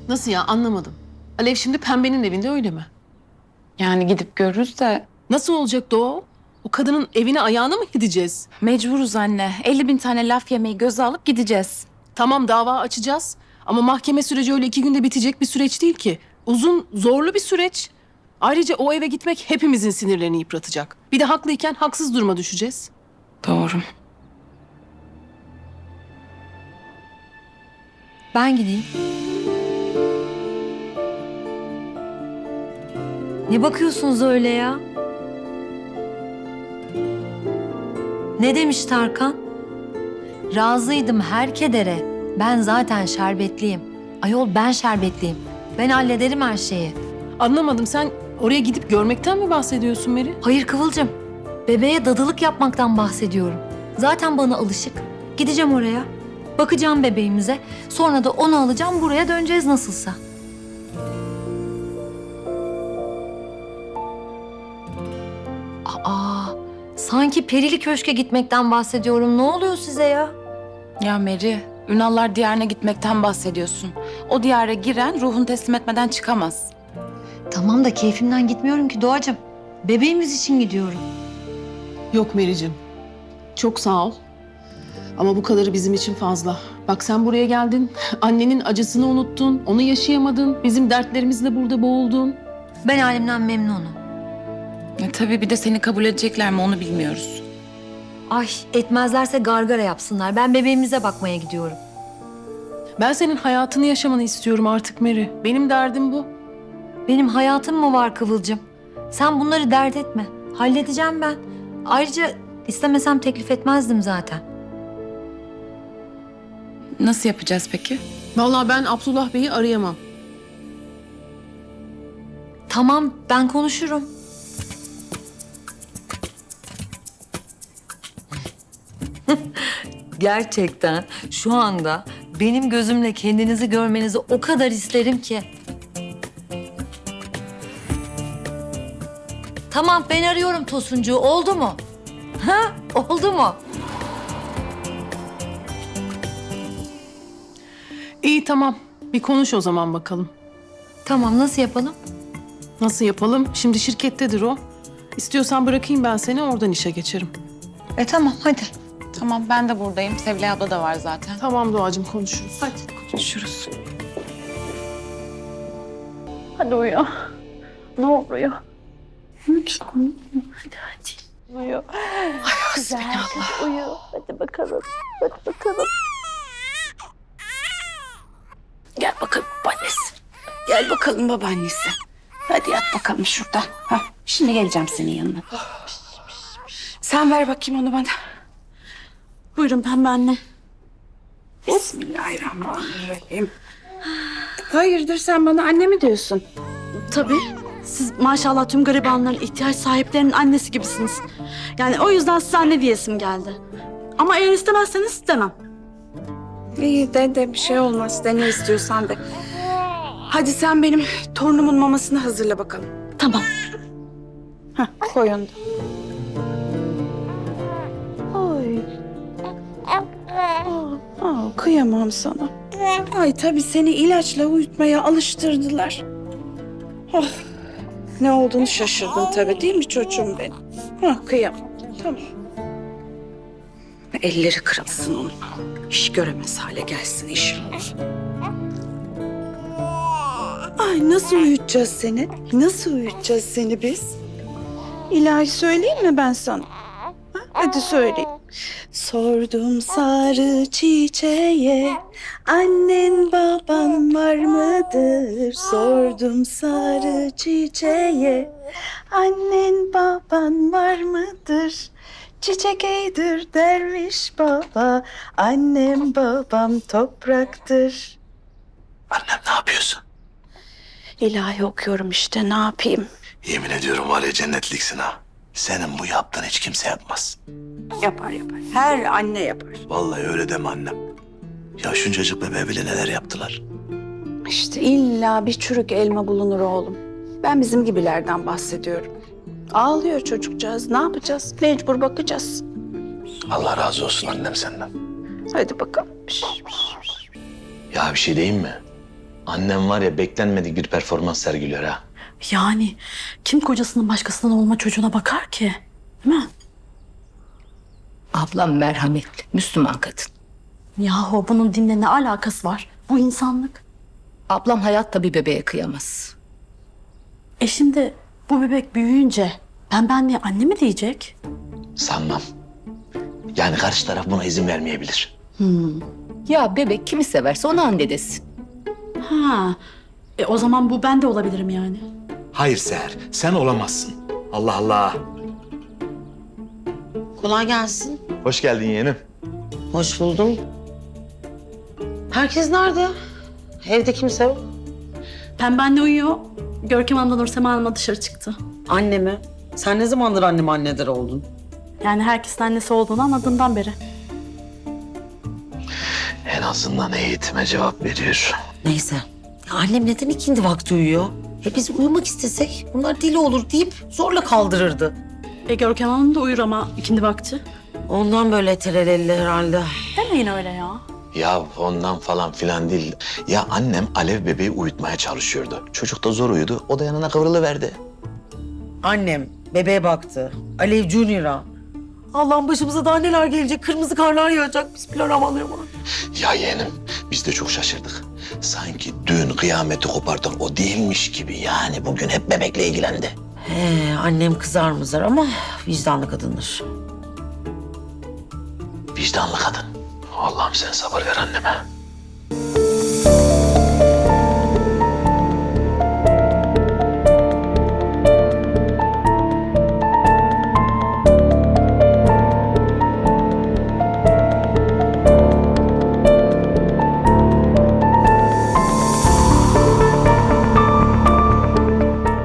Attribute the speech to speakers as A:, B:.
A: Nasıl ya, anlamadım. Alev şimdi Pembe'nin evinde, öyle mi?
B: Yani gidip görürüz de
A: Nasıl olacaktı o? O kadının evine ayağına mı gideceğiz?
B: mecburuz anne. 50.000 tane laf yemeyi göze alıp gideceğiz.
A: Tamam, dava açacağız ama mahkeme süreci öyle 2 günde bitecek bir süreç değil ki. Uzun, zorlu bir süreç. Ayrıca o eve gitmek hepimizin sinirlerini yıpratacak. Bir de haklıyken haksız duruma düşeceğiz.
B: Doğru.
C: Ben gideyim. Ne bakıyorsunuz öyle ya? Ne demiş Tarkan? Razıydım her kedere. Ben zaten şerbetliyim. Ayol ben şerbetliyim. Ben hallederim her şeyi.
A: Anlamadım, sen oraya gidip görmekten mi bahsediyorsun Meri?
C: Hayır Kıvılcım. Bebeğe dadılık yapmaktan bahsediyorum. Zaten bana alışık. Gideceğim oraya. Bakacağım bebeğimize. Sonra da onu alacağım, buraya döneceğiz nasılsa. Aa, sanki perili köşke gitmekten bahsediyorum. Ne oluyor size ya?
B: Ya Meri, Ünallar diyarına gitmekten bahsediyorsun. O diyara giren ruhunu teslim etmeden çıkamaz.
C: Tamam da keyfimden gitmiyorum ki Doğacığım. Bebeğimiz için gidiyorum.
A: Yok Meri'cim. Çok sağ ol. Ama bu kadarı bizim için fazla. Bak sen buraya geldin, annenin acısını unuttun, onu yaşayamadın, bizim dertlerimizle burada boğuldun.
C: Ben halimden memnunum.
B: Tabii bir de seni kabul edecekler mi onu bilmiyoruz.
C: Ay etmezlerse gargara yapsınlar. Ben bebeğimize bakmaya gidiyorum.
A: Ben senin hayatını yaşamanı istiyorum artık Meri. Benim derdim bu.
C: Benim hayatım mı var Kıvılcım? Sen bunları dert etme. Halledeceğim ben. Ayrıca istemesem teklif etmezdim zaten.
B: Nasıl yapacağız peki?
A: Vallahi ben Abdullah Bey'i arayamam.
C: Tamam ben konuşurum. Gerçekten şu anda benim gözümle kendinizi görmenizi o kadar isterim ki. Tamam ben arıyorum Tosuncuğu. Oldu mu? Ha? Oldu mu?
A: İyi tamam. Bir konuş o zaman bakalım.
C: Tamam nasıl yapalım?
A: Nasıl yapalım? Şimdi şirkettedir o. İstiyorsan bırakayım ben seni, oradan işe geçerim.
C: Tamam hadi.
B: Tamam ben de buradayım. Sevilay abla da var zaten.
A: Tamam Doğacığım, konuşuruz.
C: Hadi.
B: Konuşuruz.
D: Hadi uyu. Ne oluyor? Hadi hadi. Uyu. Ay hasbinallah. Uyu. Hadi bakalım. Hadi bakalım. Gel bakalım babaannesi. Gel bakalım babaannesi. Hadi yat bakalım şurada. Ha, şimdi geleceğim senin yanına. Sen ver bakayım onu bana. Buyurun Pembe anne. Bismillahirrahmanirrahim. Hayırdır sen bana anne mi diyorsun?
E: Tabii. Siz maşallah tüm garibanların, ihtiyaç sahiplerinin annesi gibisiniz. Yani o yüzden size anne diyesim geldi. Ama eğer istemezseniz istemem.
D: İyi de bir şey olmaz. De ne istiyorsan de. Hadi sen benim torunumun mamasını hazırla bakalım.
E: Tamam.
D: Heh, koy onu da. Ay. Kıyamam sana. Ay tabii seni ilaçla uyutmaya alıştırdılar. Oh, ne olduğunu şaşırdın tabii değil mi çocuğum benim? Kıyamam. Tamam. Elleri kırılsın onun. İş göremez hale gelsin inşallah. Ay nasıl uyutacağız seni? Nasıl uyutacağız seni biz? İlahi söyleyeyim mi ben sana? Ha? Hadi söyleyeyim. Sordum sarı çiçeğe, annen baban var mıdır? Sordum sarı çiçeğe, annen baban var mıdır? Çiçek eydir derviş baba, annem babam topraktır.
F: Annem ne yapıyorsun?
D: İlahi okuyorum işte, ne yapayım?
F: Yemin ediyorum var ya cennetliksin ha. Senin bu yaptığın hiç kimse yapmaz.
D: Yapar yapar. Her anne yapar.
F: Vallahi öyle deme annem. Ya şuncacık bebeğe bile neler yaptılar.
D: İşte illa bir çürük elma bulunur oğlum. Ben bizim gibilerden bahsediyorum. Ağlıyor çocukcağız. Ne yapacağız? Mecbur bakacağız.
F: Allah razı olsun annem senden.
D: Hadi bakalım.
F: Ya bir şey diyeyim mi? Annem var ya beklenmedik bir performans sergiliyor ha.
E: Yani kim kocasının başkasından olma çocuğuna bakar ki? Değil mi?
D: Ablam merhametli, Müslüman kadın.
E: Yahu bunun dinle ne alakası var? Bu insanlık.
D: Ablam hayatta bir bebeğe kıyamaz.
E: Şimdi bu bebek büyüyünce pembe anne anne mi diyecek?
F: Sanmam. Yani karşı taraf buna izin vermeyebilir.
D: Ya bebek kimi severse ona anne desin.
E: Ha. O zaman bu ben de olabilirim yani.
G: Hayır Seher, sen olamazsın. Allah Allah.
H: Kolay gelsin.
F: Hoş geldin yeğenim.
H: Hoş buldum. Herkes nerede? Evde kimse yok.
E: Pembe anne uyuyor. Görkem Hanım'la Nursema Hanım'la dışarı çıktı.
H: Anne mi? Sen ne zamandır annem annedir oldun?
E: Yani herkesin annesi olduğunu anladığından beri.
F: En azından eğitime cevap veriyor.
H: Neyse. Ya annem neden ikindi vakti uyuyor? Biz uyumak istesek bunlar deli olur deyip zorla kaldırırdı.
E: Görkem Hanım da uyur ama ikindi vakti.
H: Ondan böyle terelelli herhalde.
E: Demeyin öyle ya.
F: Ya ondan falan filan değil. Ya annem Alev bebeği uyutmaya çalışıyordu. Çocuk da zor uyudu. O da yanına kıvrılıverdi.
H: Annem bebeğe baktı. Alev Junior'a. Allah'ım başımıza daha neler gelecek. Kırmızı karlar yağacak. Bismillahirrahmanirrahim.
F: Ya yeğenim biz de çok şaşırdık. Sanki dün kıyameti kopartan o değilmiş gibi. Yani bugün hep bebekle ilgilendi.
H: Annem kızar mızar ama vicdanlı kadındır.
F: Vicdanlı kadın. Allah'ım sen sabır ver anneme.